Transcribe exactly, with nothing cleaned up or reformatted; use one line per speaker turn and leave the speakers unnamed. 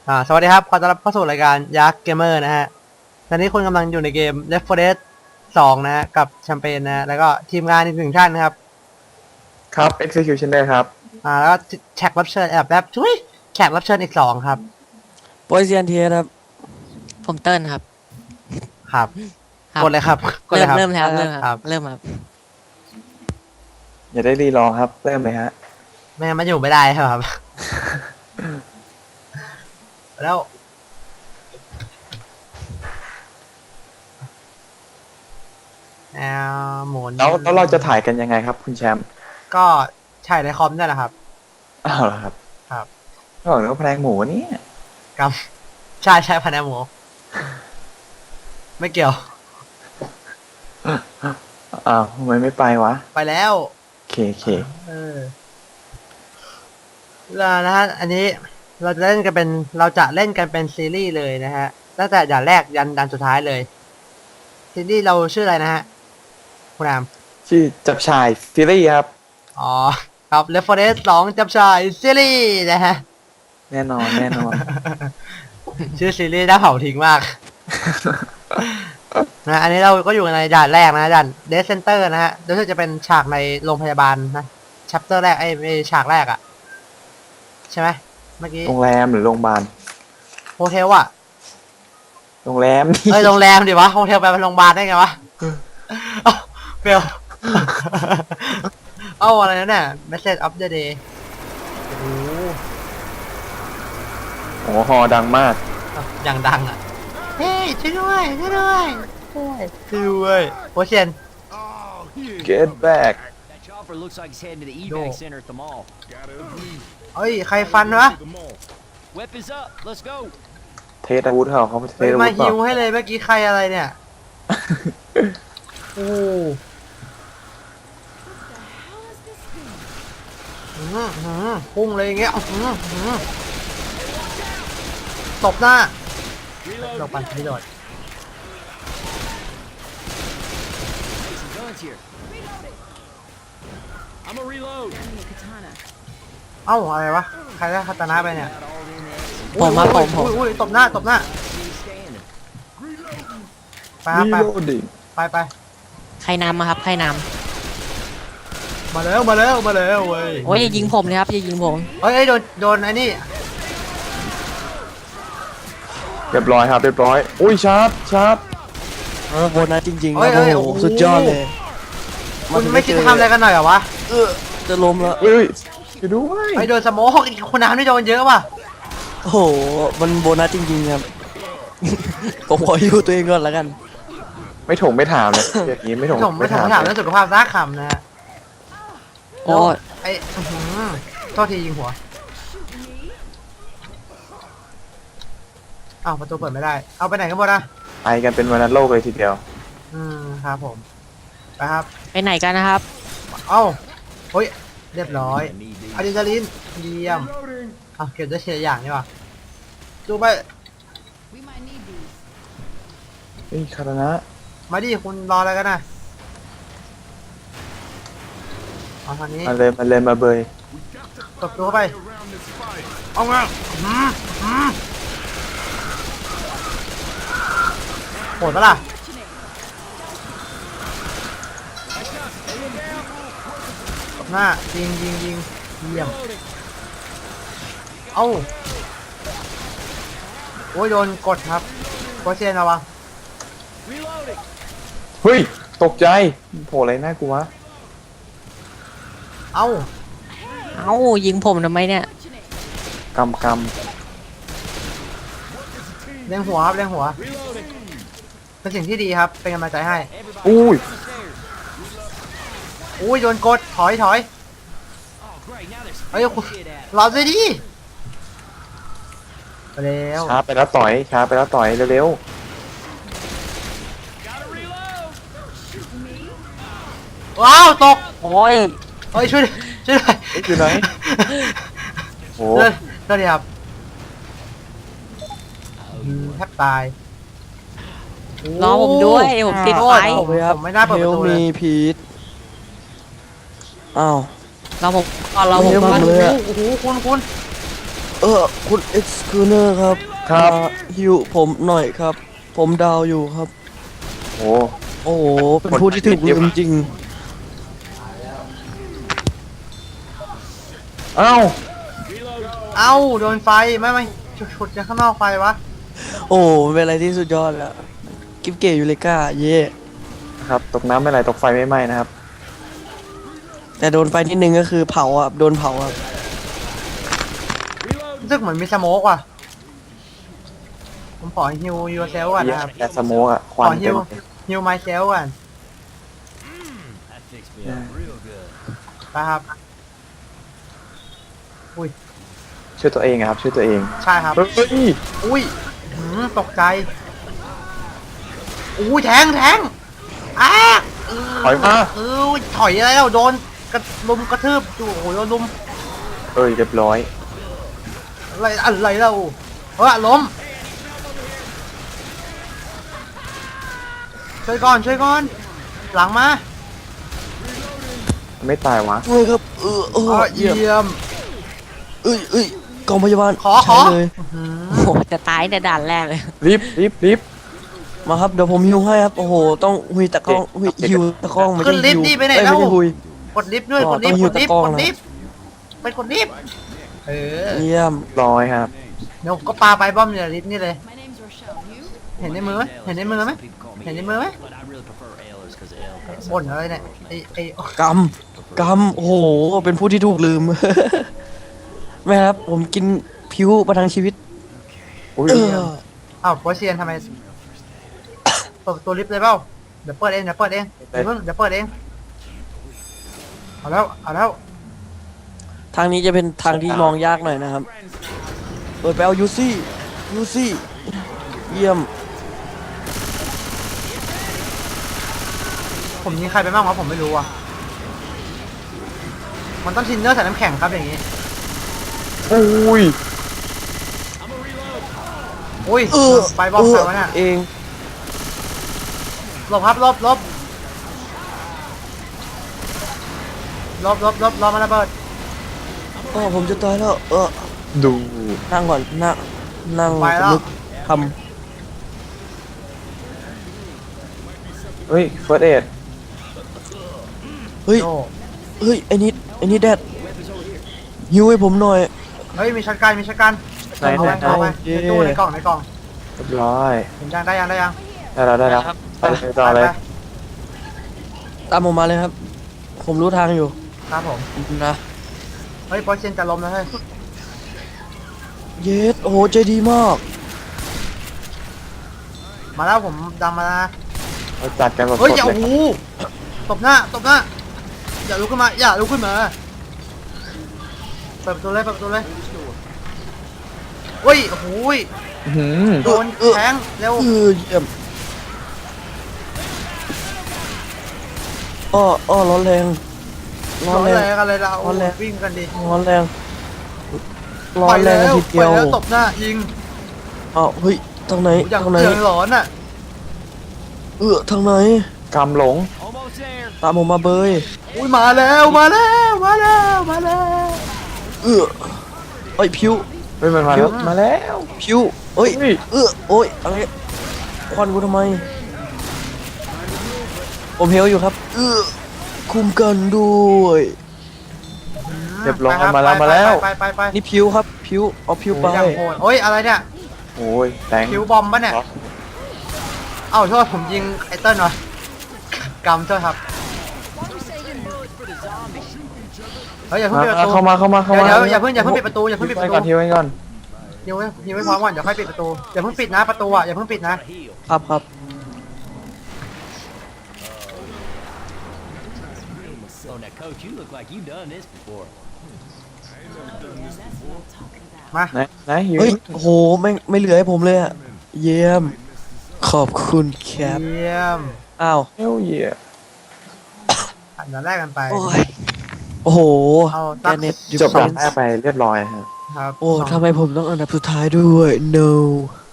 อ่าสวัสดีครับขอต้อนรับเข้าสู่รายการยักษ์เกมเมอร์นะฮะตอนนี้คุณกำลังอยู่ในเกม Left โฟร์ Dead สองนะฮะกับแชมเปญนะฮะแล้วก็ทีมงานอีกหนึ่งท่านนะครับ
ครับ Executioner ครับ
อ่าแล้วก็แขกรับเชิญแอบแบบทุยแขกรับเชิญอีกสองครับ
โปรเซียนเทียครับ
ผมเติ้ลครับ
ครับ
ครับ
กดเลยครับกดเล
เริ่
ย
ม
ครับ
เริ่มแล้วเริ่มค
ครั
รับ บเริ่มครับ
อย่าได้รีรอครับ เริ่มเลยฮะ
ไม่งั้นมันอยู่ไม่ได้ครับ แล้วแอลหมุน
แล้วแล้วเราจะถ่ายกันยังไงครับ คุณแชมป์
ก็ใช่ในคอมนี่แหละครับ
อ้าวเหรอครับ
ครับ
ก็บอกว่าแพลงหมูนี่
กำใช่ใช่พันแอมหมูไม่เกี่ยว
อ้าวทำไมไม่ไปวะ
ไปแล้ว
เคเค
เออแล้วนะฮะ อันนี้เราจะเล่นกันเป็น เราจะเล่นกันเป็นซีรีส์เลยนะฮะ ตั้งแต่ด่านแรกยันด่านสุดท้ายเลย ซีรีส์เราชื่ออะไรนะฮะ คุณอาม
ชื่อจับชายซีรีส์ครับ
อ๋อ ครับ Left โฟร์ Dead สองจับชายซีรีส์นะฮะ
แน่นอนแน่นอน
ชื่อซีรีส์น่าเผาทิ้งมาก นะ อันนี้เราก็อยู่ในด่านแรกนะด่าน Dead Center นะฮะรู้สึกจะเป็นฉากในโรงพยาบาลนะ chapter แรกไอ้ไอ้ฉากแรกอะใช่ไหมเมื่อกี้
โรงแรมหรือโรงพยาบาล
โฮเทลอะ
โรงแรม
เอ้ยโรงแรมดิวะโฮเทลไปเป็นโรงพยาบาลได้ไงวะเอ้าเฟล เอ้าอะไรนั่นน่ะ Message of the day โอ้โห
โอ้ฮอดังมาก
อย่างดังอ่ะ เฮ้ยช่วยด้วยช่วยด้วยช่วยด้วยโปรเชน
Get back
That chopper looks like it's heading to the
No.
evac center at the mall.
เอ้ยใครฟันวะ
Weapons up. Let's go.
เทสอาวุธเขาเขาเท
เฮ้ย
สอา
มา
วุธเป
ฮิ
ล่าว
ให้เลยเมื่อกี้ใครอะไรเนี่ยโอ้หืมหืมพุ่งเลยอย่างเงี้ยหืมหืมตบหน้าหลบปันไม่โดด
Some guns here. I'm a reload.
เอ้าอะไรวะ ใครได้คาตานะไปเนี่ย
ผมมาผมผม
อุ้ยอุ้ยตบหน้าตบหน้า
Standing.
ไปครับไป
Reloading
ไปไป
ใครนำมาครับใครน
มาแล้วมาแล้วมาแล้วเว้ย
ำโอ้ยอย่ายิงผมเลยครับอย่ายิงผม
เฮ้ยเอ้ยโดนโดนไอ้นี่
เรียบร้อยครับเรียบร้อยอุ้ยชาร์ปชาร์ป
เออโบนัสจริงๆ
เอ้
นะ
ยเอ้ย
โอ้โห
โอ้โห
สุดยอดเลย
คุณไม่คิดจะทำอะไรกันหน่อยเหรอวะ
เออจะล้มแล้ว
เฮ้ยช่วยด้วย
ไอ้โดนสโมกอีกคนน้ำไม่โดนเยอะว่ะ
โอ้โหมันโบนัสจริงๆครับ ผมขออยู่ตัวเองก่อนแล้วกัน
ไม่ถงไม่ถามเลยอย่างนี้ไม่ถง
ผมไม่ถามถามเรื่องสุขภาพซากคำนะฮะ
โอ้ย
ไอ้อื้อหือโทษทียิงหัวอ้าวประตูเปิดไม่ได้ เอาไปไหนกันหมดอะ
ไปกันเป็นวันโลกเลยทีเดียว
อืมครับผมไปครับ
ไปไหนกันนะครับ
เอ้าเฮ้ยเรียบร้อย
I need these.
อะดรีนาลีนเยี่ยมอ่ะเก็บได้ทีละอย่างนี่ว่ะดูไป
เฮ้ยคารานะ
มาดิคุณรออะไรกันนะเอาทางนี้
มาเลยมาเลยมาเบย
ตบตัวเข้าไปเอามาอื้อหืออื้อหือโหดปะล่ะตบหน้ายิงยิงยิงเยี่ยมเอ้าโอ้ยโดนกดครับโคเชนระวัง
Reloading.
เฮ้ยตกใจโผล่อะไรหน้ากูวะ
เอ้า
เอ้ายิงผมทำไมเนี่ย
กำก
เลี้ยงหัวครับเลี้ยงหัว
Reloading.
เป็นสิ่งที่ดีครับ เป็นกำลังใจให้
ำอุ้ย
อุ้ยโดนกดถอยถอย
Oh, great. Now there's
เฮ้ยคุณ
shit at.
รอด้วยดิไปแล้ว
ช้าไปแล้วต่อยช้าไปแล้วต่อยเร็ว
Gotta reload.
ว้าวตก
โอ้ย
เฮ้ยช่วยช่วยหน่อย
ๆเอ๊ะอยู่ไหนโอ้
เลิศเลิศดีครับอืมแทบตาย
รอผมด้วยผมติดไฟ
โอ้โหผมไม่น่าเปิดประตูเลย
มีพีทอ้าว
รอผมก่อนรอผม
เดี๋ยว
ก่อน
ผมเลยอะ
โอ้โหคุณคุณ
เออคุณเอ็กซ์คูเนอร์ครับ
ครับ
มาฮิวผมหน่อยครับ ผมดาวอยู่ครับ
โอ้
โอ้โห เป็นผู้ที่ถูกลืมจริง
เอ้า
เอ้าโดนไฟไม่ไม่ฉุดจากข้างนอกไฟวะ
โอ้เป็นอะไรที่สุดยอดแล้ว กิฟเกยูเลกาเย่
ครับตกน้ำไม่ไหลตกไฟไม่ไหม้นะครับ
แต่โดนไฟนิดนึงก็คือเผาอ่ะ โดนเผาอ่ะ
รู้สึกเหมือนมีสโมกว่ะผมขอฮิวยูเซลก่อนนะครับ
แอสโมกอะค
ข
วัน
อฮิ
เต็
ว
ม
ฮิวไมเซลก่อน
That fixed me up real good.
นะครับ
ช่วยตัวเองอะครับช่วยตัวเอง
ใช่ครับ
เฮ้ย
อุ้ยหืมตกใจอุ้ยแทงแทงอ้าเ
ถอยมา
เออถอยอะไรแล้วโดนกระลุมกระทืบอยู่โอ้โหโดนลุม
เอ้ยเรียบร้อย
อะไรอะไรแล้วเออล้มช่วยก่อนช่วยก่อนหลังมา
ไม่ตายวะ
ช่วยครับ เออเอ
เอ
อ
อ
เยี่ยม
เยี่ยม
เอ้ยเอ้ยกองพยาบาล
ขอข
ใช้
อ
เลย
หืม
โอ้โหจะตายในด่านแรกเลย
รีบรีบรีบ
มาครับ เดี๋ยวผมฮิวให้ครับ โอ้โห ต้องหุยตะกล้องหุย
โอเค
ฮิวตะกล้องไม่
ขึ้
ใช่
นลิฟ
ฮิว
ต์ดิไปไหน
เอ้ย
แล้ว
ไม่ใช่หุย
กดลิฟต์ด้วย
อ๋
ก
อ
ดลิฟต์
ต้องหิ
ก
ว
ดลิฟต์
ตะกร้อง
กด
นะ
ลิฟต์ไปกดลิฟต์เออ
เยี่ยม
ร้อยครับ
เดี๋ยวก็ปาไปบอมเนี่ยลิฟต์นี่เลย เห็นในมือไหมเห็นในมือไหม เห็นในมือไหม
But I really prefer Ayla's because Ale.
บ่นอะไรเนี่ยไอไอก
ำกำโอ้โห เป็นผู้ที่ถูกลืม แม่ครับ ผมกินผิวประทังชีวิต
อุ้ย
เออ
อ้าวโปรเซียนทำไมเปิดประตัวลิฟต์เลยเปล่าเดี๋ยวเปิดเองเดี๋ยวเปิดเองเดี๋ยวเพิ่งเดี๋ยวเปิดเองเอาแล้วเอาแล้ว
ทางนี้จะเป็นทางที่มองยากหน่อยนะครับ เปิดไปเอายูซี่ยูซี่เยี่ยม
ผมยิงใครไปบ้างวะผมไม่รู้ว่ะมันต้องทินเนอร์ใส่น้ำแข็งครับอย่างงี้
อุ้ย
อุ้ย
เออ
ไปบอมใครวะเนี่ย
เอง
หลบครับหลบหลบหลบหลบหลบรอมาระเบิด
อ๋อผมจะตายแล้ว เออ
ดู
นั่งก่อน นั่ง นั่ง
ไปแล้ว
นึกท
เฮ้ยเฟิร์สเอด
ำเฮ้ย
โอ้
เฮ้ย ไอ้นิด ไอ้นิดแดดฮิวให้ผมหน่อย
เฮ้ยมีช็อตกันมีช็อตกัน
ไหน
เอา
ไหน
ไปเอาไป
เย้
ในตู้ในกล่องในกล่อง
เรียบร้อย
เห็นยังได้ยังได้ยัง
ได้แล้วได้แล้วไปเลยต่อเลย
ไป
ตามผมมาเลยครับ ผมรู้ทางอยู่
ๆครับผม
นะ
เฮ้ยโปรเซียนจะล้มแล้วเฮ้ย
เยสโอ้โห ใจดีมาก
มาแล้วผมดังมาแล้วนะ
เราจัดกันแบบส
เฮ้ย
ด
อย่า
เล
โอ้
ย
โหตบหน้าตบหน้าอย่าลุกขึ้นมาอย่าลุกขึ้นมาเปิดประตูเลยเปิดประตูเลยเฮ้ยโอ้โหย
อื้อหือ
โดนแทงเร็ว
เออเยี่ยมอ้ออ้อร้อนแรงร้
ร้
อ
อน น
แร
แรง งอะไรเรา
ร้อนแรง
วิ่งกันดิ
ร้อนแรงร้อ
ปล่
น
อย
แร
แล้
ง
ว
ที
ป
เดี
ล่
ย
อ
วย
แล้วตบหน้ายิง
อ้าวเฮ้ยทางไหน
โอ้โหอย่าง
ทางไหน
เดือดร้อนอ่ะ
เออทางไหน
กำหลง
Almost there.
ตามผมมาเบย
อุ้ยมาแล้วมาแล้วมาแล้วมาแล้ว
เออเอ้ยพิว
เฮ้ยมันมาแล้วมาแล้ว
พิวเอ้ย
เฮ้ย
เออโอ้ยอะไรควันกูทำไม ผมเฮลอยู่ครับเออคุมกันด้วย
เรียบร้อย
ไปค
มาแล้ว
ไป
มาแล้ว
ไปไปไป
นี่พิวครับพิวเอาพิวไป
อย่างโหดโอ้ยอะไรเนี่ย
โอ้ยแตง
คิวบอมปะเนี่ย เอ้าโทษผมยิงไอเติ้ลวะกำโทษครับเฮ้ยอย่าเพิ่ง
มา
ปิดประตู
เข้ามาเข้ามาเข้ามา
เดี๋ยวเดี๋ยวอย่าเพิ่งอย่าเพิ่งปิดประตูอย่าเพิ่งปิดประตู
ก่อนทีไว้ก่อน
ยิงไว้ยิงไว้พร้อมก่อนเดี๋ยวค่อยปิดประตูอย่าเพิ่งปิดนะประตูอ่ะอย่าเพิ่งปิดนะ
Heal.
ครับครับ
Oh, now, Coach, you look like you've done this before.
มา
ไหนไหนหิว
เฮ้ยโอ้โหไม่ไม่เหลือให้ผมเลยอะเยี่ยม ขอบคุณแคป
เยี่ยม
อ้าว
เฮลเยีย
อันดับแรกกันไป
โอ้ยโอ้โห
เอา
แก
ตั้ง
เน็ต
จบแบบแรกไปเรียบร้อยครับ
ครับ
โอ้ทำไมผมต้องอันดับสุดท้ายด้วย no